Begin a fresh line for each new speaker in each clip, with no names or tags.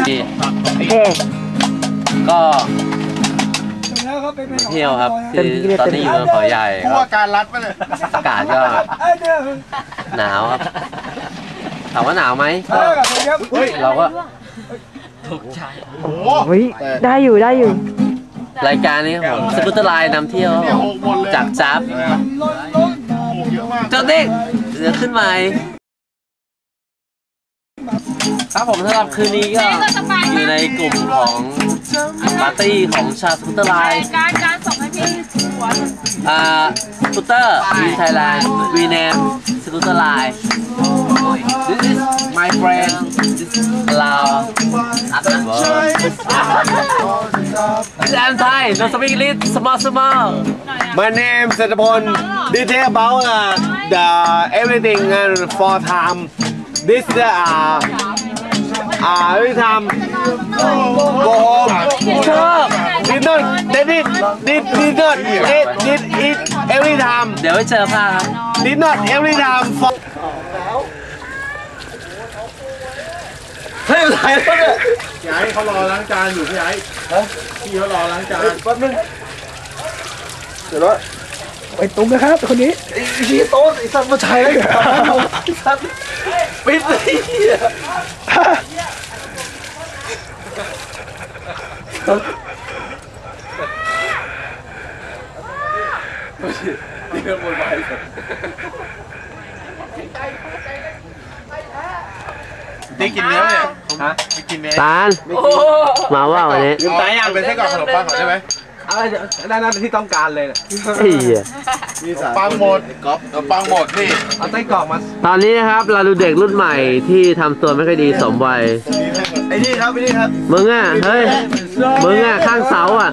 โอเค
ก็เที่ยวครับคือตอนนี้อยู่ในเขาใหญ่ครับการรัดไปเลยอากาศก็หนาวครับถามว่าหนาวไหมเราก็ถูกใจ
ได้อยู่
รายการนี้ผมสกูตเตอร์ไลน์นำเที่ยวจากจับเจ้าเด็กเดี๋ยวขึ้นใหม่ครับผมสำหรับคืนนี้ก็อยู่ในกลุ่มของปาร์ตี้ของชาวสกูตเตอร์ไลน์
การส่งให้พี่หัว
สกูตเตอร์วินไทยแลนด์วีเนมสกูตเตอร์ไลน์ This is my friend This is Lao This is I'm Thai No speak English small
My name is Satapon Detail about the everything and for time This is every time go home did not eat every time
เดี๋ยวไปเจอผ้าครับ
did not every time for เฮ้ยอะไรเนี่ยพี่ไอ้เขารอล้างจานอยู่พี่ไอ้พี่เขารอล้างจานแป๊บนึงเดี๋ยวแล้ว
ไปตุ้มนะครับคนนี้
ไอ้ชี้โต๊ะไอ้สัตว์มาใช้ไอ้สัตว์ปิดเลยนี่เป็นบนใบได้กินเนื้อเนี่ยฮะไม่กินเนื้อ
ตาลมาว่าวันนี้
ลืมตาอย่างเป็นไส้กรอกขนมปังก่อนได้ไหมนั่นที่ต้องการเลยเนี่ยปังหมดก๊อฟปังหมดนี่เอาไส้กรอกมา
ตอนนี้นะครับเราดูเด็กรุ่นใหม่ที่ทำตัวไม่ค่อยดีสมวัย
ไอ้นี่ครับ
มึงอ่ะเฮ้ยมึงอ่ะข้างเสาอ่ะ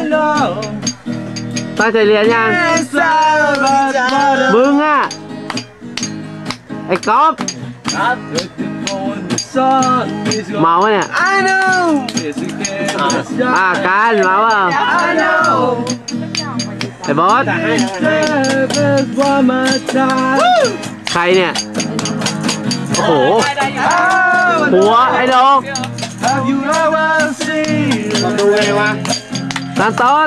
ตั้งใจเรียนยังมึงอ่ะไอ้ก๊อฟเมาวะเนี่ยการเมาอ่ะไอ้บอสใครเนี่ยโอ้โหหัวไอ้ดอก
ดูไงวะ
ซานโต้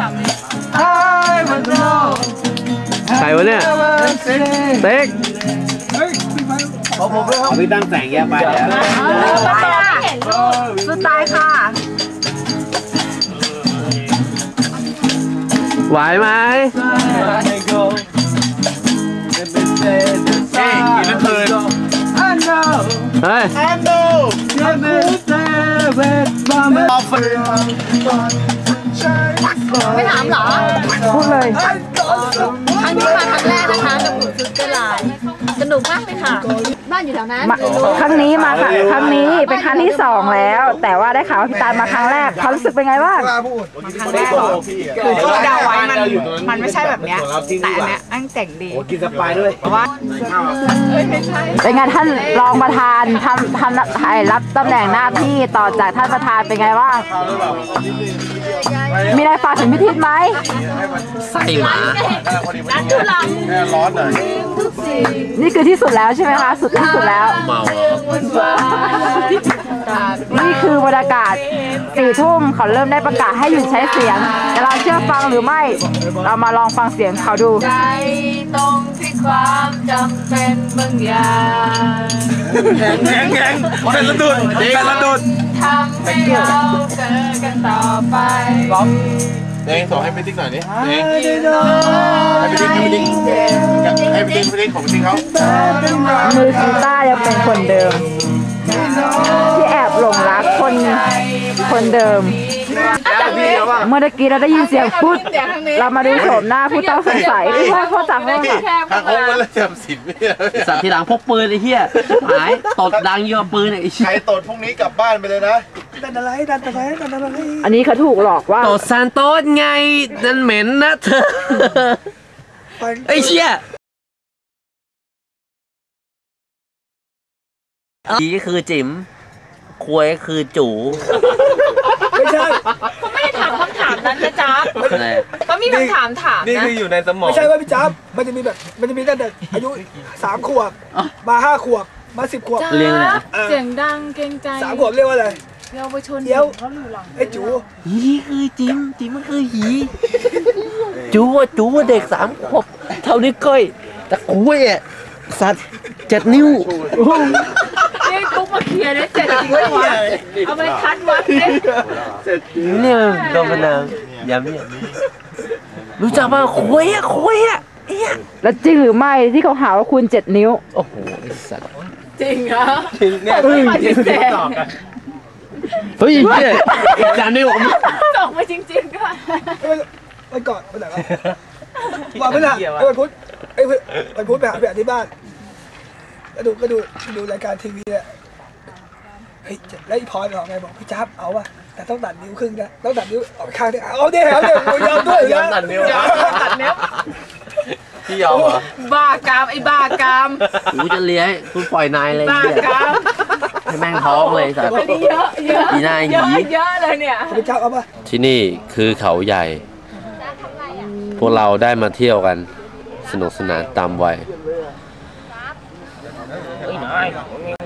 ใครวะเนี่ยเต็ก
ผมพี่ตั้งแสงแย่ไปแล้ว
สุดท้ายค่ะ
ไหวไหม
กินแล้วคืน
เฮ้ย
ไม่ถามเหรอ
พูดเลย
ครั้งนี้มาครั้งแรกนะคะกับกลุ่มซุปเปอร์ไลน์สนุกมากเลยค่ะบ้านอยู่แถวนั้น
ครั้งนี้มาครั้งนี้เป็นครั้งที่2แล้วแต่ว่าได้ข่าวว่าพี่ตาลมาครั้งแรกเขารู้สึกเป็นไงบ้าง
ครั้งแรกคือที่เดาไว้มันไม่ใช่แบบเนี้ยแต่อันเนี้ยอันแต่งดี
กินสปายด้วย
เพราะว่า
เป็นไงท่านรองประธานทำรับตำแหน่งหน้าที่ต่อจากท่านประธานเป็นไงบ้างมีอะไรฝากถึงพิธีไหม
ใส่หมา
ร้อนหน่อย
นี่คือที่สุดแล้วใช่ไหมคะสุดที่สุดแล้ว
เมา
นี่คือบรรยากาศ4 ทุ่มเขาเริ่มได้ประกาศให้หยุดใช้เสียงแต่เราเชื่อฟังหรือไม่เรามาลองฟังเสียงเขาดู
ใจตรงที่ความจำเป็นบางอย่าง
แข็งเป็นระดุด
ทำให้เราเจอกันต่อไป
เองส่งให้ไปติ๊กหน่อยนี่เองให้ไปติ๊กของติ๊กเขา
มือกีตาร์ยังเป็นคนเดิมที่แอบหลงรักคนเดิมเมื่อกี้เราได้ยินเสียงพุทธเรามาดูโฉมหน้าผู้ต้องสงสัยที่ว่าเขาจากห้อง
ทางองค์มันเลยจำสินไม่ได้
สัตว์ทีหลังพกปืนไอ้เหี้ยหายตดดังเยอะปืนไอ้
ใครตดพวกนี้กลับบ้านไปเลยนะ
ดันอะไร
อันนี้เขาถูกหลอกว่า
ตดซานโต้ไงนั่นเหม็นนะเธอไอ้เหี้ยนี่คือจิ๋มควยคือจู่
ไม่ใช่
เขาไม่ได้ถามคำถามนั้นนะจ๊าบเขามีคำถามนะ
นี่คืออยู่ในสมอง
ไม่ใช่ว่าพี่จ๊าบมันจะมีตั้งแต่อายุ3 ขวบมา5 ขวบมา10 ขวบ
เรียกอะไร
เสียงดังเกรงใจ
3 ขวบเรียกว่าอะไร
เยาวชน
เดี๋ยวไอ้จู
หีคือจิมมันคือหีจูว่าเด็ก3 ขวบเท่านี้ก้อยแต่กูเนี่ยสัตว์7 นิ้ว
นี่กุ๊กมาเคลียร์ได้เจ็ดจริงวะเอาไปคัดวัดเลย
เนี่ยโดนมะนาวย้ำเนี่ยรู้จักป่ะคุยอะ
แล้วจริงหรือไม่ที่เขาหาว่าคุณ7 นิ้ว
โอ้โหไอ้สัตว์
จริงเหรอ
จริงเนี่ย
ปฏิเสธ
เฮ้ยเนี่ยอีก3 นิ้ว
ตกไปจริงๆด้วย
วันก่อนวันไหนวะวันพฤหัสวันพุธวันพุธไปหาที่บ้านก็ดูรายการทีวีเนี่ยเฮ้ยแล้วไอ้พลอยบอกไงบอกพี่จ๊าบเอาป่ะแต่ต้องตัดนิ้วครึ่งนะต้องตัดนิ้วออกข้างนึงเอาดิเอาดิยอมด้วย
ยอมตัดนิ้ว
ตัดเนี้ย
พี่ยอมเหรอ
บ้ากามไอ้บ้ากาม
กูจะเลี้ยงกูปล่อยนายเลย
บ้ากาม
ให้แม่งท้องเลยสัตว์
อันนี้เยอะ
อีนายห
เย
ยี
อะเยอะเลยเนี่ย
พี่จ๊าบเอาป่ะ
ที่นี่คือเขาใหญ่ พวกเราได้มาเที่ยวกันสนุกสนานตามวัย